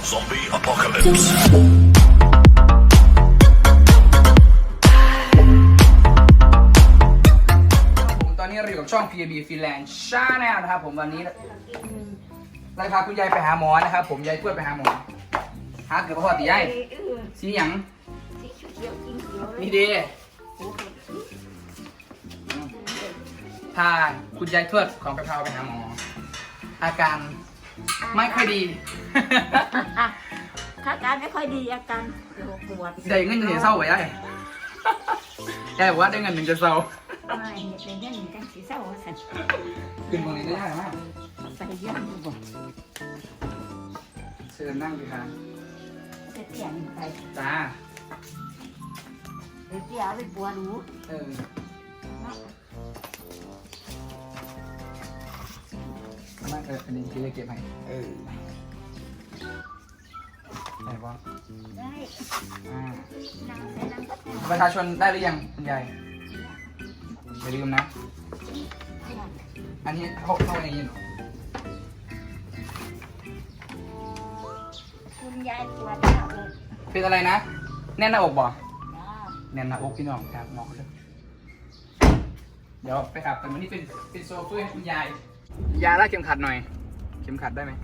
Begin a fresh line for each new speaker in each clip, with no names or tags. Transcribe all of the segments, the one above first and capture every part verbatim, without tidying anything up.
Zombie apocalypse.
ผมตอนนี้เราอยู่กับช่อง พี บี Finland Channel นะครับผมวันนี้เราพาคุณยายไปหาหมอนะครับผมยายทวดไปหาหมอหาเกือบพอตียายสีหยังนี่ดีถ้าคุณยายทวดของไปพาไปหาหมออาการไม่ค่อยดี
อาการไม่ค่อยดีอาการปวด
ได้เงินจะเสียเศร้าไว้ยายยายบอกว่าได้เงินหนึ่งจะเศร้า
ไม่เป็นยังกันสีเศร้าสัน
ขึ้นตรงนี้ได้ยากมาก
ใส่ย่างบ่
เชิญนั่งดีครับ
จะเปลี่ยนไป
จ้า
เดี๋ยวเดี๋ยวไปปวดหู
เออมาเอออันนี้พี่จะเก็บให้เออไหนวะ
ได้
อ่า
นั่งใส่นั่งก็ได้
ประชาชนได้หรือยังคุณยายอย่าลืมนะ อันนี้เขาเข้าในยินเหรอ
คุณยายปวดหน้าอก
เป็นอะไรนะ แน่นหน้าอกบ่
จ้า
แน่นหน้าอกพี่น้องครับหมอเลยเดี๋ยวไปขับแต่วันนี้เป็นเป็นโซเฟอร์ให้คุณยาย ยาลากเข็มขัดหน่อย เข็มขัดได้ไหม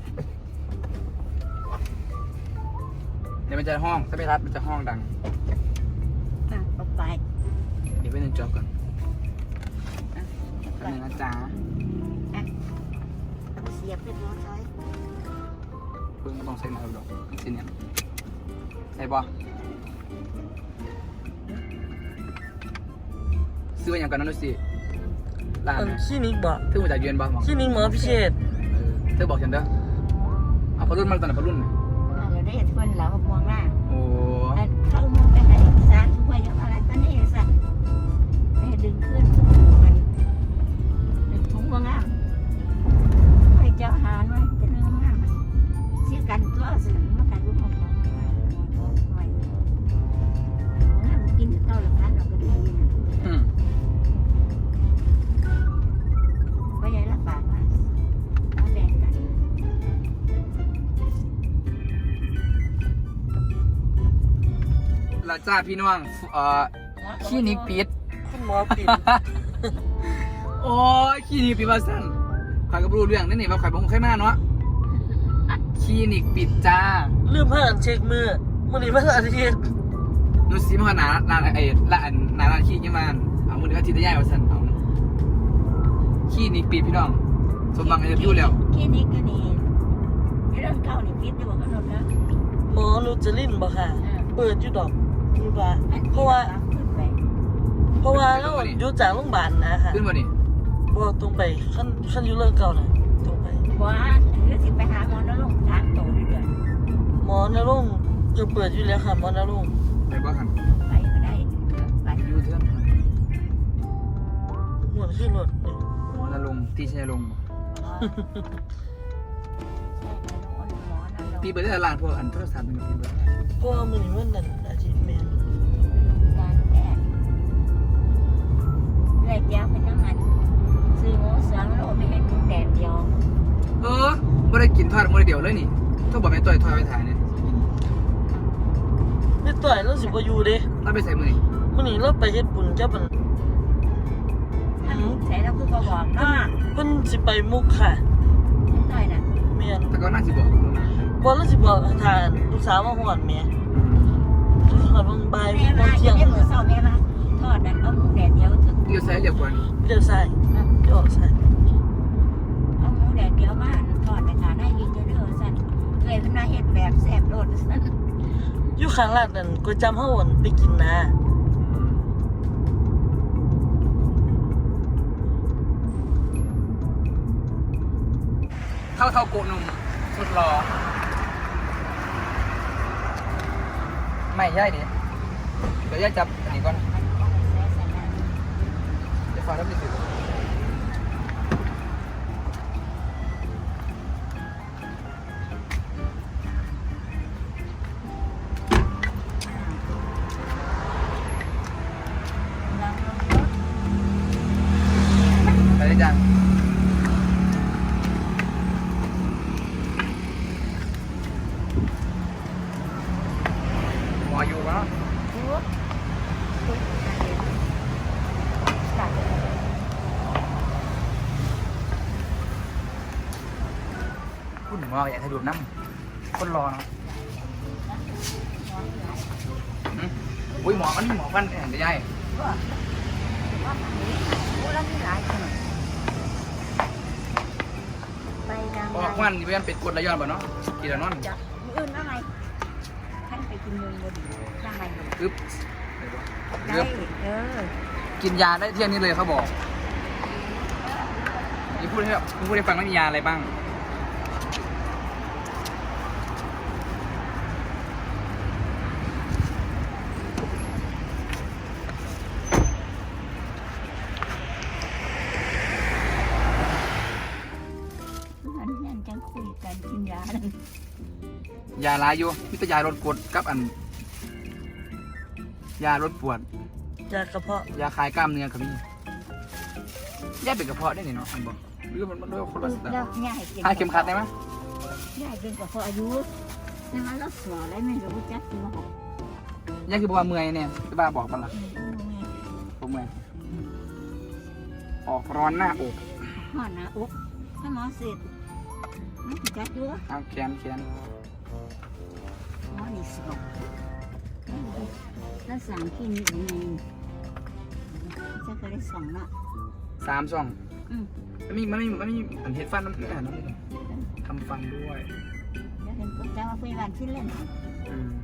เดี๋ยวมันจะห้อง ถ้าไม่รัดมันจะห้องดัง
อ่ะต่อไป
เดี๋ยวไปหนึ่งจอบก่อนแป๊บนึงนะจ๊ะ
อ่ะเสียบไปร้อย
เพิ่งต้องใช้หน่อยหรอกสิเนี่ยใส่บ่ซื้อมาอย่างกันนั่นดูสิร้าน
อัน
นะ
คลินิกบ่
เพิ่งมาจากเยือนบ้างหรอ
คลินิกหมอพิเศษ
เออเธอบอกฉันเด้อเอาพอรุ่นมาตอนไหนพอรุ่นน่ะ
อ่ะเดี๋ยวได้ทวนแล้วมองหน้า
โอ้
เข้ามองไปให้สารช่วยยังอะไรตอนนี้สั่นให้ดึงขึ้นมันดึงถุงว่างามให้เจ้าหาหน่อยเป็นเรื่องงามเสียกันตัวสิมากันรู้ของเราหน่อยงามกินเต้าหลังนั้นเราก็ดีนะ
อืม
ก็ยังรักษามาเอาแบ่งกัน
ลาจ้าพี่น้องเอ่อคลินิกปิด
คุณหมอปิด
โอ้ยคลินิกปิดมาสั่นข่อยก็บ่รู้เรื่องนี่นี่ว่าข่อยบ่คงเคยมาเนาะคลินิกปิดจ้า
ลืมผ้าอันเช็คมือมื้อนี้มันอาทิตย์
หนูสิมาหาหนาหนาไอ้ละอันหนาร้านคลินิกยังมาเอามื้อนี้อาทิตย์ได้ย้ายว่าสั่นเอาคลินิกปิดพี่น้องสมบังอินเตอร์วิวแล้ว
คลินิกก็นี่เรื่องเก่านี่พิษอยู่บ่กำหนดนะ
หมอนูจลินบ่ค่ะ เปิดอยู่ดอกอยู่ว่าเพราะว่า
ขึ้นไป
เพราะว่าเราอยู่จากโรงพยาบาลนะค่ะ
ขึ้นบ่นี่
บ่ตรงไปขั้นขั้นอยู่เรื่องเก่าน่ะตรงไป
ว่าหรือสิไปหาหมอแล้วลงทางโตเรื่อย
หมอนรงค์จะเปิดอยู่แล้วค่ะหมอนรงค์
ไปบ่คัน
ๆไปก็ได้ไป
อยู่เทื่อน
หมวนขึ้นรถนี่
หมอละลงที่ชัยลงบ่ปีเปิดได้ร้านพวกอันโทรศัพท์มันก็ปีเปิดได้
เพราะว่ามื้อนี้มันนั่นอาทิตย์แม่น
การแพทย์แรกยาวเป็นน้ำมันซื้อหมูสามโลไม่ให้กินแดดเดียว
เออบ่ได้กินทอดมื้อเดียวเลยนี่ต้องบอกแม่ต่อยทอดไปถ่ายเนี่ย
ไม่ต่อยเราสิบ่อยู่เด้
เราไปใส่มื้อนี่
มื้อนี้เราไปเฮ็ดบุญกับมัน
ถ้าหมูใส่แล้วคือบ่บอกเนาะ
เพิ่นสิไปมุกค่ะ
ต้อยน่ะ
แม่น
แต่ก็น่าสิบอก
บ่เราสิบอกทานลูกสาวมาฮอดแม่ฮอดบางบ่าย
แม่
ตอ
มาน
เที่ยง
เย็นมื้อเช้าแม่มาทอดนั้นเอาหมูแดดเดียวถึง
เดี๋ยวใส่เรียกก่อน
เดี๋ยวใส่เดี๋ยวออกใส่
เอาหมูแดดเดียวมาทอดในขาได้ยินเด้อสั่นเลยเพิ่นมาเฮ็ดแบบแซ่บโลดสั่น
อยู่ข้างร้านนั่นก๋วยจั๊บเฮาอั่นไปกินนะ
เท่าเท่าโกนุ่มสุดรอไม่ใช่ดิเดี๋ยวย่าจับอันนี้ก่อนจะฟังรับดิสิไปได้จังหมออยู่ปะ
โอ้ตุ๊กตาเด็กตัด
คุณหมออยากให้ดูดน้ำคนรอเนาะอืมอุ้ยหมอมันหมอฟันแข็งจะใหญ่
ก็ว่าหายโอ้แล้วมีหลายคนไปดัง
ออกวันนี่เป็นเป็ดกดระยอนป่ะเนาะกี่ระนอน
จะมีอื่นว่าไงท่านไปกินมุมบดียังไง
อึ๊บ
ได้เออ
กินยาได้เที่ยงนี้เลยเขาบอกนี่พูดให้พูดให้ฟังว่ามียาอะไรบ้าง
อันนั้นจังคุยกันกินยานั่น
ยาลายอยู่มิตรยาลดกรดกับอัน ยาลดปวด
จากกระเพาะ
ยาคลายกล้ามเนื้อครับพี่ยาเป็นกระเพาะได้นี่เนาะอันบอกหรือมันมันด้วยคนละสไต
แล้ว
ล์
ง่ายเก่ง
ทายเข็มขัดได้ไหม
ง่ายเก่งกว่าพออายุนี่มันรักษาได้ไม่รู้จักจริงหรอก
ยาคือบอกว่าเมื่อยเนี่ยที่บ้าบอกมันละผมเมื่อยออกร้อนหน้าอก
ห่อนะอุ๊บถ้าหมอเสร็จไม่จัดด้วย
เอาแขนแขน
หมอนี่สอบแล้วสามที่นี่ยังไงจะเคยได้สองเนาะ
สามช่อง
อืม
มันมีมันมีมันมีมันเห็ดฟันมันคืออาหารน้ำมันทำฟันด้วย
เดี๋ยวเห็นก็จะมาคุยกันที่เล่น
อืม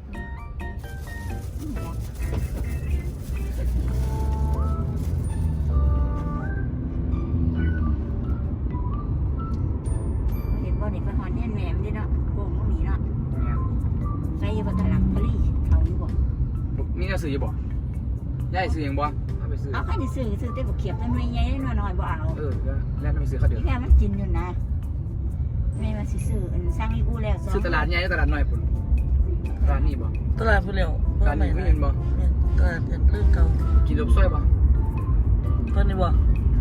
เห็นบ่เด็กไปหอนเนี่ยแหนมดิเนาะโป่งก็มีเนาะ
เนี่ย
ไปอยู่บนตลาดพลีเขาอยู่บ่
มีหนังสืออยู่บ่ย่ายซื้อยังบ่เอาไปซื้อ
เอาใครจะซื้อซื้อได้บ่เขียบมันไม่ใหญ่หน่อยๆบ่เอา
เออแล้วแล้วไปซื้อเขาเดี๋ยว
ที่แค่มันกินอยู่นะไม่มาซื้ออันสร้างอีกูแล้ว
ซื้อตลาดใหญ่หรือตลาดน้อยปุ่นตลาดนี่บ่
ตลาดผู้เลี้ยว
ตลาดนี้ไม่เห็นบ่
แม่นตลาดเห็นเรื่องเก่า
กินลบซ้อยบ่
ตอนนี้บ่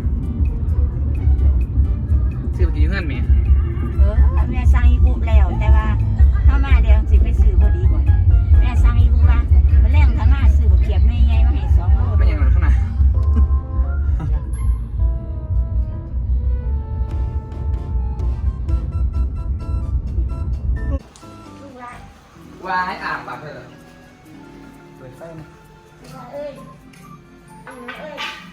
ซื้อไปกินเพื่อนแม่
เออแม่สร้างอีกูแล้วแต่ว่าถ้ามาเดี๋ยวสิไปซื้อบ่ดีกว่าแม่สร้างอีกูว่ามันแรงถ้ามาซื้อบ่เขียบไม่ใหญ่มาให้สองโล
ไม่อย่างไรข้างในวายอาบปากเถอะเปิดไฟนะ
เอ้ยอันนี้เอ้ย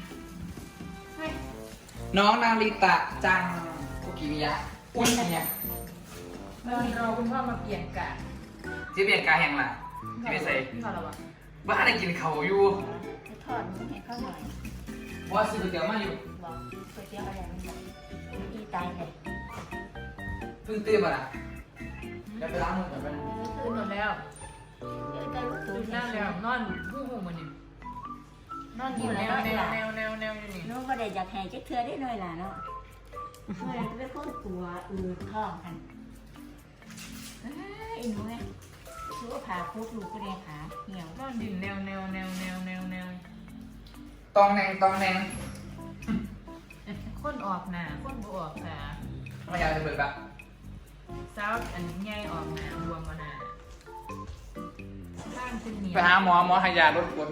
น้องนาริตะจังคุกิมิยะอุ้ยเนี่ย
เมื่อเราคุณพ่อมาเปลี่ยนกะ
ที่เปลี่ยนกายแห่งล่ะที่ไม่ใส่
พี่ขอระวัง
บ้านได้กินเขาอยู่
จะทอดนี้ให้เข้าหน่อย
ว่าซื้อก๋วยเตี๋ยวมาอยู่
บอกก๋วยเตี๋ยวอะไรมันบอกอีตายเลย
เพิ่งตื่นมาละจะไปล้างมือก่อนไปนะ
ตื่นหมดแล้ว
เดี๋ยวจะรู้
ตื่
ตื่
น
น
ได้แล้วนอนหูหูมันนี่นอนอยู่แนวแนวแนวแนวแนวอยู่นี่
นู้ก็ได้อยากแห่จะเทือได้หน่อยล่ะเนาะเมื่อไรจะไปค้นตัวอืดท้องกันไอ้หนูไงรู้ว่าผ่าพุกลูกก็ได้ขาเหี่ยวน
อนดินแนวแนวแนวแนวแนวแนว
ตองแนงตองแนง
คนออกหนาคนบ่ออกขา
ไม่อยากจะเปิดแบบ
สาวอันใหญ่ออกหนาบวมมาหนาข้างคุณเหนียว
ไปหาหมอหมอให้ยาลดกรด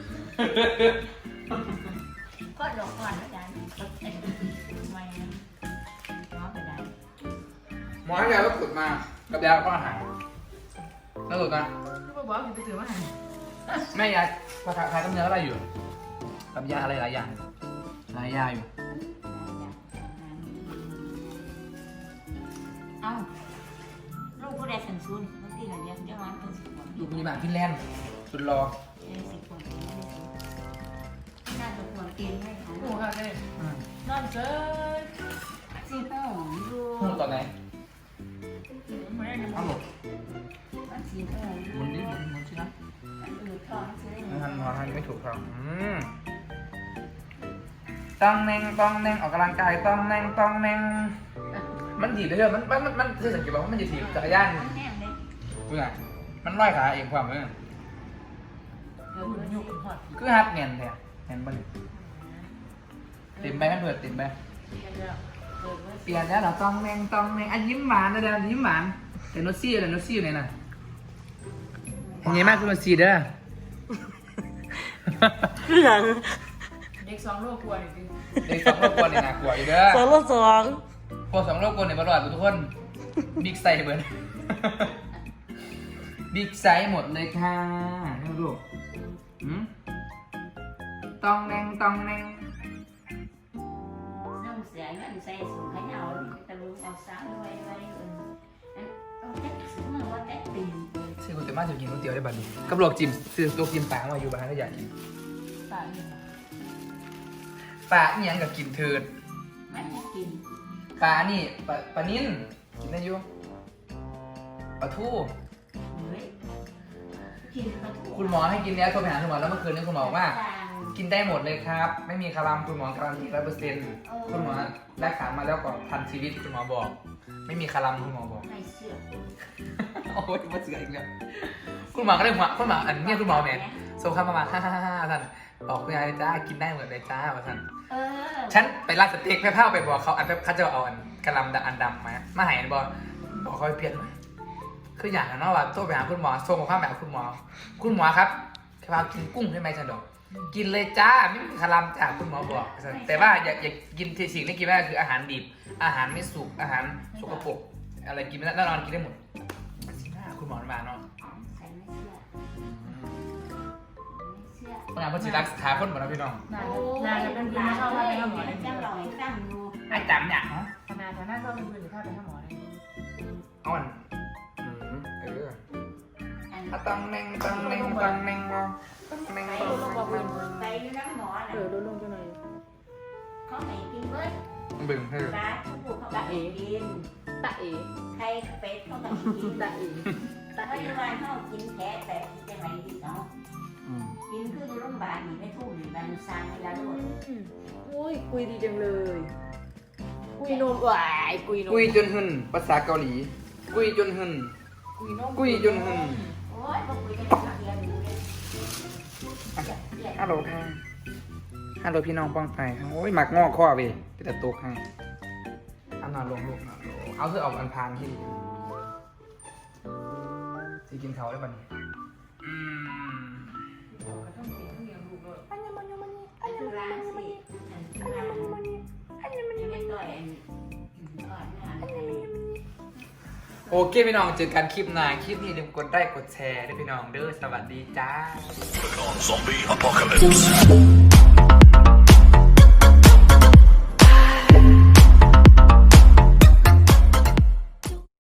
ก็หลอกก่อนแล้วกันไม่นะน้องไปได้
หมอให้ยาลดกรดมากับยาก็อาหารแล้วสุดนะ
ลูกบอกให้ไปถือมาให้
แม่ยาภาษาไทยต้องเนื้ออะไรอยู่กับยาอะไรหลายอย่างหลายยาอยู่
เอ้าลูกผู้ใดสันซุนบางทีเราเรียกเจ้าวันเป็นสิบคน
อยู่มีบานฟินแลนด์สุดรอ
เป็นสิบคนน่าจะควรกินให้ค่ะ
หมูค่ะเลยนอนเกิน
สิห้องดู
พูดตอนไหน
แม่ยัง
เอาหมด
มันสีห้องดู
มุนนี้มุนมุนใช่ไหม
มันอืดท้องใช่ไหม
ไม่ทันหมอทันไม่ถูกครับอืมต้องแนงต้องแนงออกกำลังกายต้องแนงต้องแนงมันถีบได้เลยมันมันมันมันคือสังเกตว่ามันจะถีบจักรยาน
มันแห้งเลย
เพื่อมันร้อยขาเองความเพื่อ
เออมัน
ยุ
ยุ
ก
บ
หอด
คือฮัดเงียนเนี่ยเงียนบ้างติ่มไปมันเปิดติ่มไป
กันแล้ว
เออ
เปลี่ยนแล้วเหราต้องแนงต้องแนงอันยิ้มหวานนะเดี๋ยวยิ้มหวานแต่โนซี่อะไรโนซี่อยู่ไหนน่ะอย่างงี้มากคือโนซี่เด้อ
คือหยัง
เด็กสองโลกลัวจริง
เด็กสองโลกกวนเนี่ยน่ากลัวอยู่เด้อ
สองรถสอง
พวกสองโลกกวนเนี่ยมาหลอดทุกคนบิ๊กไซส์เหมือนบิ๊กไซส์หมดเลยค่ะนี่ดูหืมตองแนงตองแนง
น้องเสียเงินใส่สูงขยาวตะลุงเอาสาวไว้ไว้เออต้องแท็กซื้อมาว่าแท็กตีน
ซื้อก๋วยเตี๋ยวมาจะกินก๋วยเตี๋ยวได้บัดนี้กับลวกจิ้มซื้อลวกจิ้มปลามาอยู่บ้านก็อยากกิน
ๆป่าเนี่ย
ปลาเนี่ยงกับกินเถิด
มันจะกิน
ปลานี่ปลาปลานิ่นกินได้อยู่ปลาทู
เฮ้ยกินปลาทู
คุณหมอให้กินแล้วโทรไปหาคุณหมอแล้วเมื่อคืนนี้คุณหมอบอกว่า กินได้หมดเลยครับ ไม่มีคารัมคุณหมอการันตีร้อยเปอร์เซ็นต์คุณหมอรักษามาแล้วกว่าพันชีวิตคุณหมอบอก ไม่มีคารัมคุณหมอบอก
ไม่เชื่อ
โอ้ยมาเสืออีกแล้วคุณหมอก็เลยหัวคุณหมออันนี้คุณหมอเนี่ยส่งคำมาฮ่าฮ่าฮ่าท่านบอกคุณยายเลยจ้ากินได้หมดเลยจ้าว่าท่าน
เออ
ฉันไปร้านสเต็กแพ้ผ้าไปบอกเขาอันเขาจะเอาอันกระลำอันดำมามาใหายบอกบอกเขาไปเปลี่ยนมาคืออย่างนั้นว่าโทรไปหาคุณหมอส่งข้าวแบบคุณหมอ คุณหมอครับแค่ว่ากินกุ้งใช่ไหมฉันบอกกินเลยจ้าไม่มีคารัมจ้าคุณหมอบอก แต่ว่าอย่าอย่ากินสิ่งที่กินไม่ได้คืออาหารดิบอาหารไม่สุกอาหารสกปรกอะไรกินไม่ได้แน่นอนกินได้หมดสิหน้าคุณหมอมาเนาะ
ใส่ไม่เชื่อไม่เชื่อ
คนงานเพื่อนสิรักษาคนหมดนะพี่น้อง
นายนายจะเป็นคนไม่ชอบไปหาหมอเลย
จะลอยตั้งดู
ไอ้จำเนี่ยฮะ
ขนาดแต่น่าชอบเป็นคนหรือถ้าไปหาหมอเลย
เอาอันอืมเออ
อัน
อะตังแนงตังแนงตังแนงตังแนง
ไป
ตัง
ลง
แนง
ไปดูน้ำหมอ
เอ
น่ะ
อลดลงจังเลย
เขาให้กินเบิร์ด
บึ้งให้
ปลาทุกผู้เขาก็ให้กิน
ตะเอ๋
ไข่เป็ดเขาก็ให้กิน
ตะเอ๋
แต่เขาอยู่บ้านเขากินแค่แต่จะไหนกินเนาะ
อืม
กินคือในโรงพยาบาลนี่ไม่ทุ่มนี่มันสร้างเวลาด้วย
อุ้ยคุยดีจังเลยคุยนมหวายคุยนม
กุยจนหึนภาษาเกาหลี กุยจนหึน
คุยนม
กุยจนหึน
โอ้ยพอคุยกันจะเรียนรู้เลย
ฮัลโหลค่ะฮัลโหลพี่น้องป้องไปโอ้ยหมักงอกข้อเว้ยไปแต่ตกให้เอานอนลงลูกนอนลงเอาเสื้อออกอันพานที่สิกินเขาได้ป่ะนี่อืม
ต้องกินต้องเลี้ยงลูกด้วย
อันคือร้านสิอันคือร้านอันนี้มันยังไม่ต่อยอันก่อนหน้าอะไร
โอเคพี่น้องเจอกันคลิปหน้าคลิปนี้อย่าลืมกดไลค์กดแชร์ด้วยพี่น้องเด้อสวัสดีจ้า
Zombie apocalypse.